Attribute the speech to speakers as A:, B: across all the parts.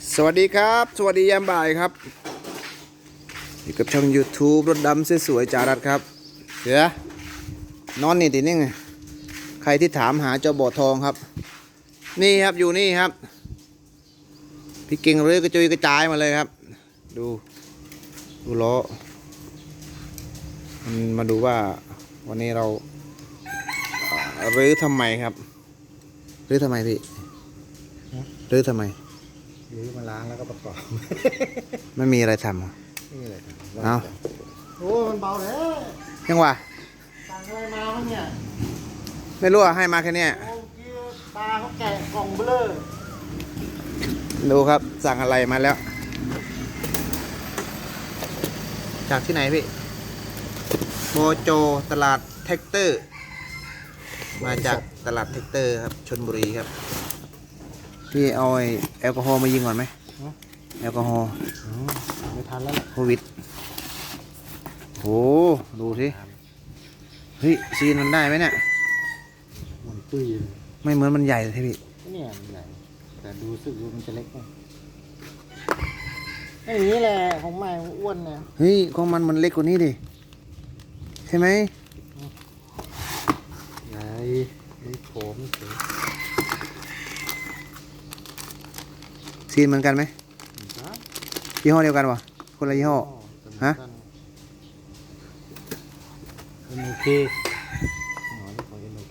A: สวัสดีครับสวัสดียามบ่ายครับอยู่กับช่อง YouTube รถดำสวยๆจารัดครับเสือนอนนี่ตินี่ไงใครที่ถามหาเจ้าบ่อทองครับนี่ครับอยู่นี่ครับพี่เก่งเรือกระจุยกระจายมาเลยครับดูล้อมันมาดูว่าวันนี้เรารื้อทำไมครับรื้อทำไมพี่รื้อทำไม
B: หรือมาล้างแล้วก็ประกอบ
A: ไม่มีอะไรทำเหรอ
B: นี่เลยครับ
A: เอา
B: โอ้มันเบาแล้ว
A: ยังวะ
B: สั่งอะไรมาบ้างเนี่ย
A: ไม่รู้อะให้มาแค่เนี้ย
B: โอ้กี้ตาเขาแกะกล่องเบลอ
A: ดูครับสั่งอะไรมาแล้ว จากที่ไหนพี่โมโจตลาดแท็กเตอร์ มาจากตลาดแท็กเตอร์ครับชลบุรีครับพี่เอาแอลกอฮอล์มายิงก่อนไหมแอลกอฮอล์
B: ไม่ทันแล้วแหละ
A: โควิดโหดูสิเฮ้ยซีนมันได้ไหมเนี่ย
B: มันตุ้ยเลย
A: ไม่เหมือนมันใหญ่เลยพี่
B: เนี่ยมันใหญ่แต่ดูสึกว่ามันจะเล็กไงไอ้อย่างนี้แหละของใหม่มันอ้วนเนี่ย
A: เฮ้ยของมันเล็กกว่านี้ดิใช่ไหม
B: ไหนมีโถมเฉย
A: ซีนเหมือนกันไหมยี่ห้อเดียวกันวะคนละยี่ห้อ ฮะ
B: เป็นโอเคหนอนนี่ของเป็นโอเค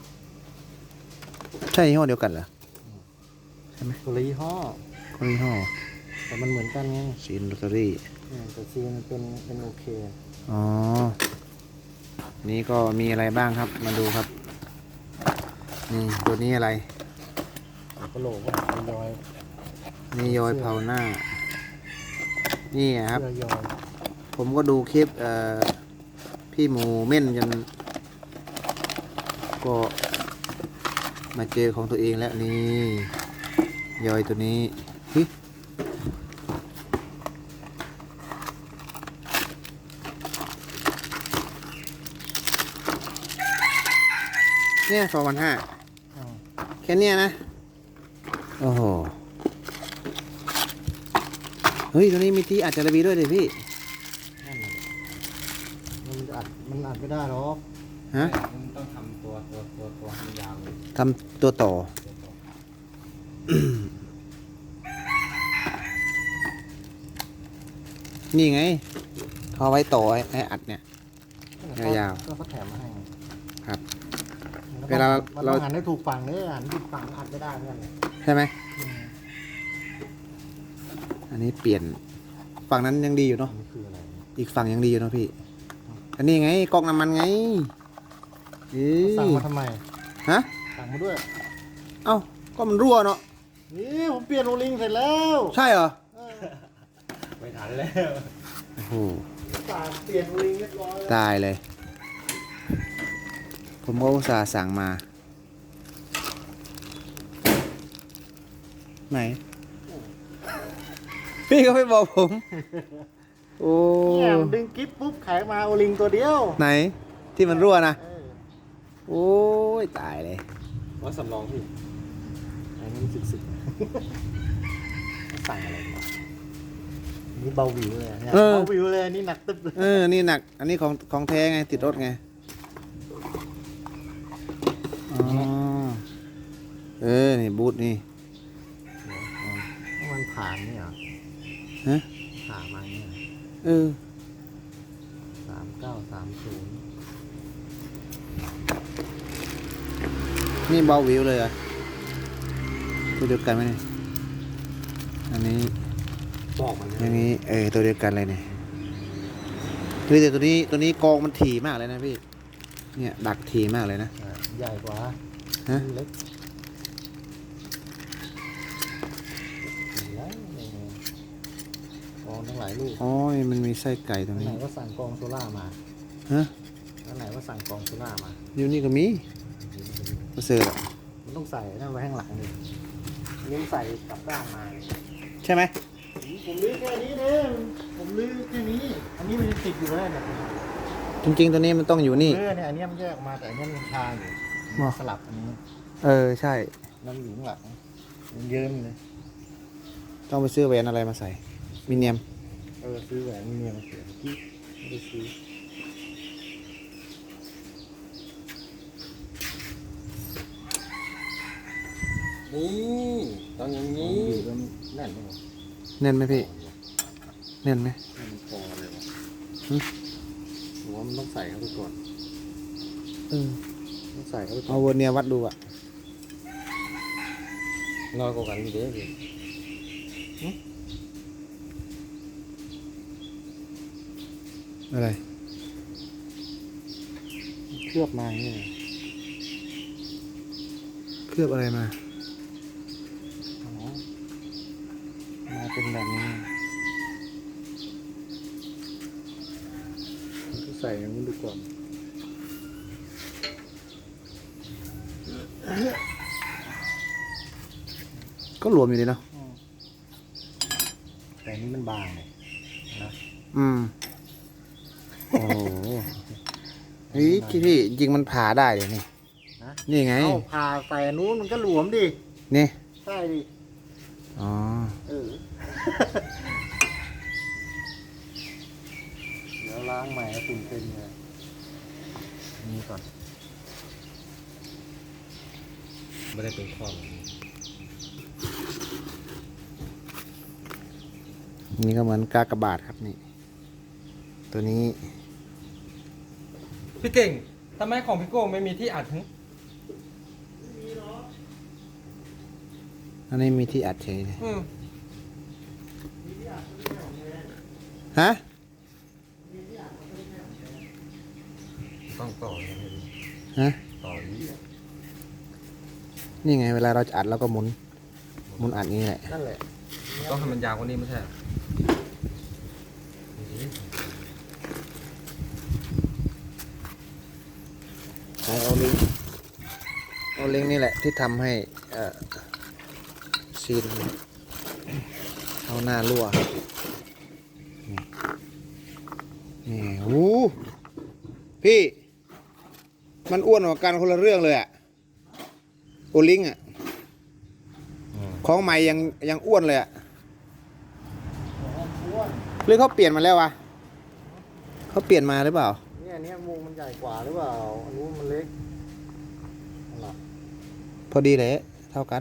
A: ใช่ยี่ห้อเดียวกันเหรอ
B: คนละยี่ห้อ
A: คนละยี่ห้อ
B: แต่มันเหมือนกันไง
A: ซีนลอตเตอรี่
B: แต่ซีนเป็นโอเค
A: อ๋อ นี่ก็มีอะไรบ้างครับ มาดูครับ นี่ตัวนี้อะไร
B: กระโหลกว่าเป็นยอย
A: นี่ยอยเผาหน้า นี่ครับ
B: เสื้อยอย
A: ผมก็ดูคลิปพี่หมูเม่นจนก็มาเจอของตัวเองแล้วนี่ยอยตัวนี้เฮ้ยเนี่ย2,500แค่เนี้ยนะ โอ้โห เฮ้ยตัวนี้มีที่อัดจารบีด้วยเลยพี่
B: นั่นแหละมันอัดไม่ได้หรอก
A: ฮะ
B: มันต้องทำตัวให้มันยาวเลย
A: ทำตัวต่อ นี่ไงเขาเอาไว้ต่อให้อัดเนี่ย ยาว
B: ก็เขาแถมมาให้
A: ครับ
B: มัน
A: เวลา
B: มัน
A: เรา
B: ต้องหันให้ถูกฝั่งเนี่ยหันผิดฝั่งอัดไม่ได้เหมือนกันเลย
A: ใช่ไหม อันนี้เปลี่ยนฝั่งนั้นยังดีอยู่เนาะ
B: อันนี้คืออะไร
A: อีกฝั่งยังดีอยู่เนาะพี่ อันนี้ไงก๊อกน้ำมันไงเอ้
B: สั่ง
A: ย
B: มาทำไม
A: ฮะ
B: สั่งมาด้วย
A: เอ้าก็มันรั่วเนาะ
B: นี่ผมเปลี่ยนโอลิงเสร็จแล้ว
A: ใช่เหรอ
B: ไม่ทันแล้ว
A: โอ้โห
B: สั่งเปลี่ยนโอลิงเรียบร้อยแล้ว
A: ตายเลย ผมก็อุตส่าห์สั่งมา ไหน พี่ก็ไม่บอกผม โอ้
B: เนี่ยมันดึงกิ๊บปุ๊บขายมาโอลิงตัวเดียว
A: ไหนที่มันรั่วนะ
B: เออ
A: โอ้ยตายเลย
B: ว่าสำรองพี่อันนี้สึกสั่งอะไรมานี่เบาวิวเลยเนี่ยเบาวิวเลยนี่หนักตึ๊บเลย
A: นี่หนัก อันนี้ของแท้ไงติดรถไง อ๋อ นี่บูทนี่
B: มันผ่านนี่เหรอ
A: ฮะ
B: ผ่านมาเนี่ย
A: เออ
B: 3930
A: นี่เบาวิวเลยเหรอ่ะตัวเดียวกันไหมเนี่ย อันนี้
B: บอกมัน
A: อย่างนี้ตัวเดียวกันเลยเนี่ยคือแต่ตัวนี้กองมันถี่มากเลยนะพี่ เนี่ยดักถี่มากเลยนะ
B: ใหญ่กว่า
A: ฮะ
B: เล็กแล้วกองทั้งหลายลูก
A: อ๋อมันมีไส้ไก่ตรง
B: ไหน
A: นี้
B: ว่าสั่งกองโซล่ามา
A: ฮะ
B: แล้วไหนว่าสั่งกองโซล่ามา
A: อยู่นี่ก็มีประเสริฐอะ
B: มันต้องใส่นั่นไว้ข้างหลังเลยนี่ใส่กลับด้านมา
A: ใช่ไหม
B: ผมลื้อแค่นี้เองผมลื้อแค่นี้ อันนี้มันยังติดอยู่เลยเนี่ย
A: จริงๆตัวนี้มันต้องอยู่นี่
B: เนี่ยอันนี้มันแยกออกมาแต่อันนี้มันคาอยู่
A: อ๋อ
B: สลับอันนี้
A: ใช่
B: แล้วมันอยู่ข้างหลังมันเยิ้มเลย
A: ตต้องไปซื้อแหวนอะไรมาใส่มิเนียม
B: ซื้อแหวนมีเมียมาเสียเมื่อกี้ไม่ได้ซื้อ
C: นี่ต้องอย่าง
B: นี่
C: นี้
B: แล้วแน่นไหมวะ
A: แน่นไหมพี่แน่นไหม
B: ให้มันพอเลยวะ
A: หึ
B: ผมว่ามันต้องใส่เข้าไปก่อน
A: เออ
B: ต้องใส่เข้าไปก่
A: เอา
B: อน
A: เวอร์เนียร์วัดดูอะ
C: น้อยกว่ากันเด้พี่
A: อะไร
B: เคลือบมาอย่างนี้เลย
A: เคลือบอะไรมา
B: อ๋อมาเป็นแบบนี้ก็ใส่อย่างนี้ดูก่อน
A: ก็หลวมอยู่ดีเนาะ
B: แต่อันนี้มันบางเลยนะ
A: อืมโอ้โหเฮ้ยพี่จริงมันผ่าได้เลยนี่
B: นะ
A: นี่ไง
B: เอาผ่าใส่อันนู้นมันก็หลวมดิ
A: นี่
B: ใช่ดิ
A: อ๋อ
B: เออ เดี๋ยวล้างใหม่ให้ฝุ่นเป็นเลยนี่ก่อน
C: ไม่ได้เป็นข้อ
A: นี่ก็เหมือนกากบาทครับนี่ ตัวนี้
C: พี่เก่งทำไมของพี่โก้ไม่มีที่อัดหึ
A: อันนี้มีที่อัดเฉยเลย
C: อืม
A: ฮะ
C: ต้องต่อเลยพี่
A: ฮะ
C: ต่อนี้
A: นี่ไงเวลาเราจะอัดเราก็หมุนอัดอย่างนี้แหละ
B: นั่นแหละ
C: ต้องให้มันยาวกว่านี้ไม่ใช่เหรอ
A: เอาลิงก์นี่แหละที่ทำให้ซีนเอาหน้ารั่วนี่โอ้พี่ มันอ้วนกว่ากันคนละเรื่องเลยอะโอลิงก์อะของใหม่ยังอ้วนเลยอะหรือเขาเปลี่ยนมาแล้ววะเขาเปลี่ยนมาหรือเปล่า
B: เนี่ยอันเนี้ยมุงมันใหญ่กว่าหรือเปล่า อันนู้นมันเล็กนั่นแหละ
A: พอดีเลยเท่ากัน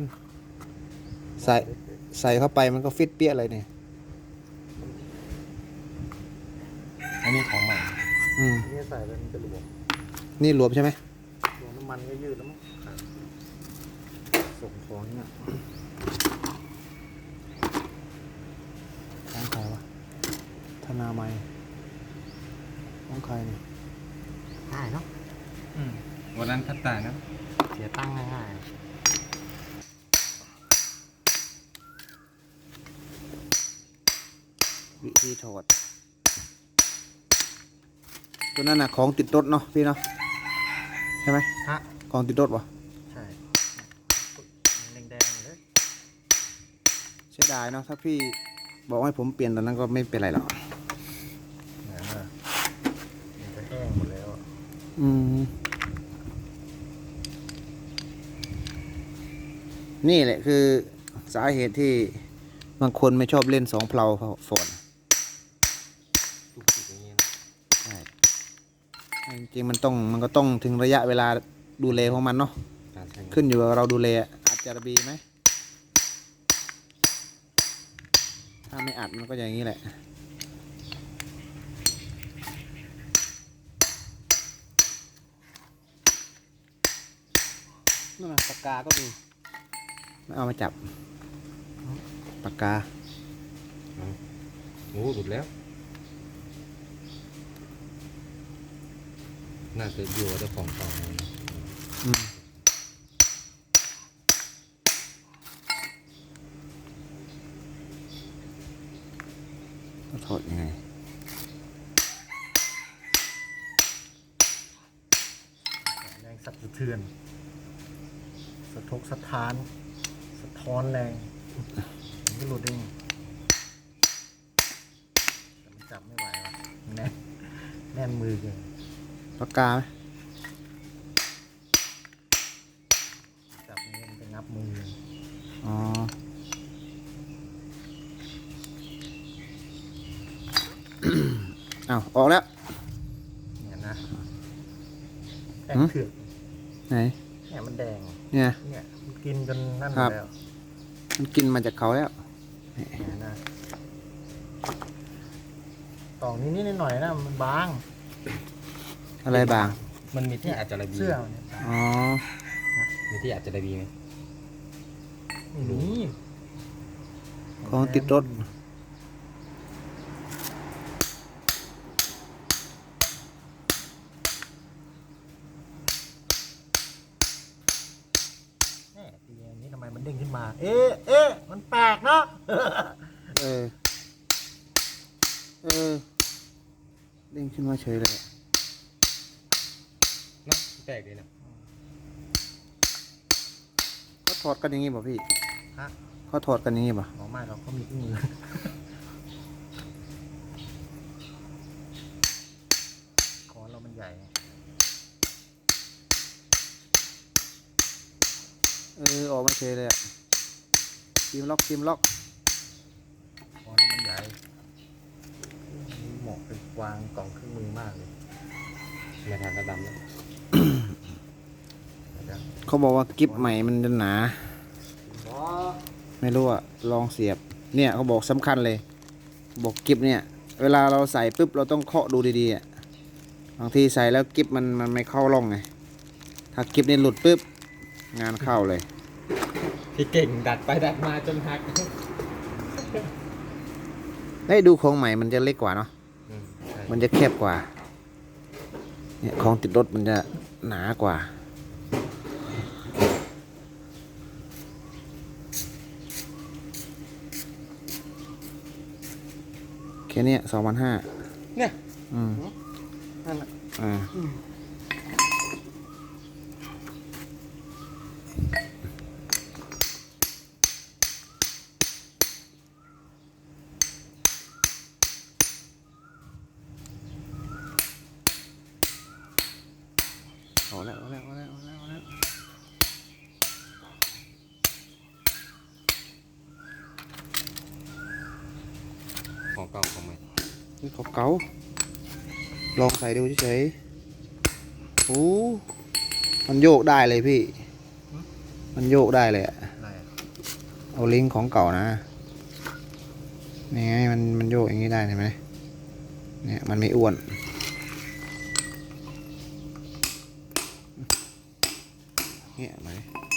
A: ใส่เข้าไปมันก็ฟิตเปี้ยเลยเนี่ย
C: อันนี้ของใหม่
A: อืม
B: อันนี้ใส่ไปมันจะหลวม
A: นี่รวมใช่ไหม
B: ตัวน้ำมันก็ยืดแล้วมั้งส่งของเนี่ย
A: ของใครวะธนาไมยของใครเนี่ย
B: ง่ายเนาะ
C: วันนั้นคัดตายนะ
B: เสียตั้งง่าย
A: วิธีถอดตัวนั้นน่ะของติดรถเนาะพี่เนาะใช่ไหม
B: ๆฮะ
A: ของติดรถวะ
B: ใช่มันแดงๆเลย
A: เสียดายเนาะถ้าพี่บอกให้ผมเปลี่ยนตอนนั้นก็ไม่เป็นไรหรอก
B: มันจะแห้งหมดแล้วอะ
A: อืมนี่แหละคือสาเหตุที่บางคนไม่ชอบเล่นสองเพลาฝน
C: ทุกสิ่งอย่างนี้นะ
A: ใช่จริงๆมันก็ต้องถึงระยะเวลาดูแลของมันเนาะ
C: การใช้งาน
A: ขึ้นอยู่กับเราดูแลอัดจารบีไหมถ้าไม่อัดมันก็อย่างนี้แหละนั่นน่ะปากกาก็มีไม่เอามาจับปากกา
C: โอ้หลุดแล้ว น่าจะอยู่กับเจ้าของต่อนะ
A: อืมถอดยังไง
B: แรงสั่นสะเทือน สะทกสะท้าน สะท้อนแรงมันก็หลุดเองแต่มันจับไม่ไหวว่ะแน่นแน่นมือเกิน
A: ปากกาไหม
B: จับนี้มันจะงับมือเลย
A: อ๋ออ้าวออกแล้ว
B: เนี่ยนะแดง
A: หืม
B: เถือก
A: ไหน
B: เนี่ยมันแดง
A: เนี่ย
B: เนี่ยมันกินจนนั่นหม
A: ครั
B: ด
A: บ
B: แล้ว
A: มันกินมาจากเขาแล้ว
B: เนี่ยนะตอกนิดๆหน่อยๆนะมันบาง
A: อะไรบาง
C: มันมีที่อาจจะระบี
B: เสื้อมันเนี่ย
A: อ๋อ
C: มีที่อาจจะระบีไหม
B: ไม่มี
A: ของติดรถ
B: แน่ทีนี้ทำไมมันเด้งขึ้นมา เอ๊ะมันแปลกเนาะ
A: เออ เออเด้งขึ้นมาเฉยเลยอะ
C: เนาะแปลกดีนะ
A: เขาถอดกันอย่างงี้ป่ะพี่
B: ฮะ
A: เขาถอดกันอย่างงี้ป่ะ
B: หมอไม่เราก็มีเครื่องมือคอนเรามันใหญ่
A: เออออกมาเฉยเลยอะทีมล็อกทีมล็อก
B: คอนเรามันใหญ่เหมาะเป็นวางกล่องเครื่องมือมากเลย
C: ไม่ทานกระดำแล้ว
B: เดี๋ยว
A: เขาบอกว่ากิฟใหม่มันจะหนา
B: บอ
A: ไม่รู้อะลองเสียบ เนี่ยเขาบอกสำคัญเลย บอกกิฟเนี่ย เวลาเราใส่ปุ๊บเราต้องเคาะดูดีๆอะบางทีใส่แล้วกิฟมันไม่เข้าร่องไง ถ้ากิฟนี่หลุดปุ๊บงานเข้าเลย
C: พี่เก่งดัดไปดัดมาจนหัก
A: ได้ยดูของใหม่มันจะเล็กกว่าเนาะ
C: ใช่
A: มันจะแคบกว่า เนี่ยของติดรถมันจะหนากว่า แค่เนี้ย2,500
C: เนี่ย
A: อืม
B: นั่นแหละ
A: อ่าเอาแล้วเอาแล้วเอาแล้วเอาแล้วเอาแล้ว
C: ของเก่าของใหม่
A: นี่เขาเก๋าลองใส่ดูเฉยๆโอ้มันโยกได้เลยพี่ มันโยกได้เลยอะ
B: อะไรอะ
A: เอาลิงก์ของเก่านะ นี่ไงมันโยกอย่างนี้ได้เห็นไหมเนี่ยมันไม่อ้วน เนี่ยไหม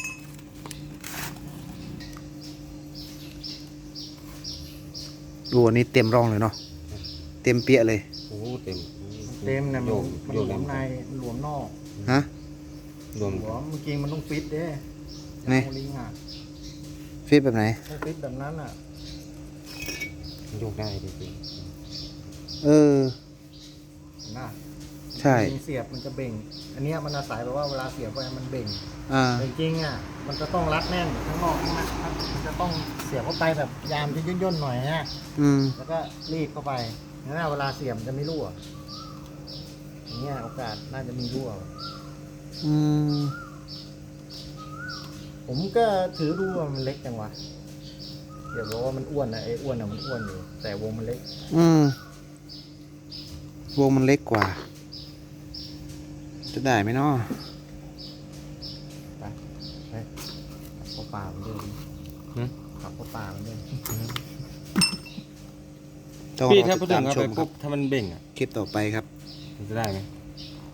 A: ดูอันนี้เต็มร่องเลยเนาะ เต็มเปี้ยเลย
C: โอ้เต็ม
B: เต็มนะ
C: โย
B: มัน
C: ก
B: หล
C: โยว ก
B: มในมันหลวมนอก
A: ฮะ
C: รวม
B: หัวเมื่อกี้มันต้องฟิตเด้
A: นี่
B: เอาลิงอ่ะ
A: ฟิตแบบไหน
B: ต้องฟิตแบบนั้นอ่ะ
C: โยกได้จริง
A: เออ
B: เห็นปะ
A: ใช่
B: ลิงเสียบมันจะเบ่ง อันเนี้ยมันอาศัยแบบว่าเวลาเสียบไปมันเบ่ง
A: อ่า
B: แต่จริงๆอ่ะมันจะต้องรัดแน่นข้างนอกข้างในครับมันจะต้องเสียบเข้าไปแบบยามจะย่นๆหน่อยนะ
A: อืม
B: แล้วก็รีดเข้าไปงั้นเวลาเสียบมันจะไม่รั่วอย่างเงี้ยโอกาสน่าจะมีรั่ว
A: อืม
B: ผมก็ถือดูว่ามันเล็กจังวะเดี๋ยวบอกว่ามันอ้วนนะไอ้อ้วนอ่ะมันอ้วนอยู่แต่วงมันเล็ก
A: อืม วงมันเล็กกว่า จะได้ไหมเนาะ
B: ไปขับเข้าป่ามันเดิน
C: หึ
B: ขับเข้าป่ามันเดิน
A: ต้อง
C: พี่
A: รอ
C: ถ้า
A: ติ
C: พูด
A: ด
C: ถึ
A: ตาง ม
C: เอา
A: ช
C: ไป
A: มครั
C: ปุ๊
A: บบ
C: ถ้ามันเบ่งอ่ะ
A: คลิปต่อไปครับ
C: มันจะได้ไหม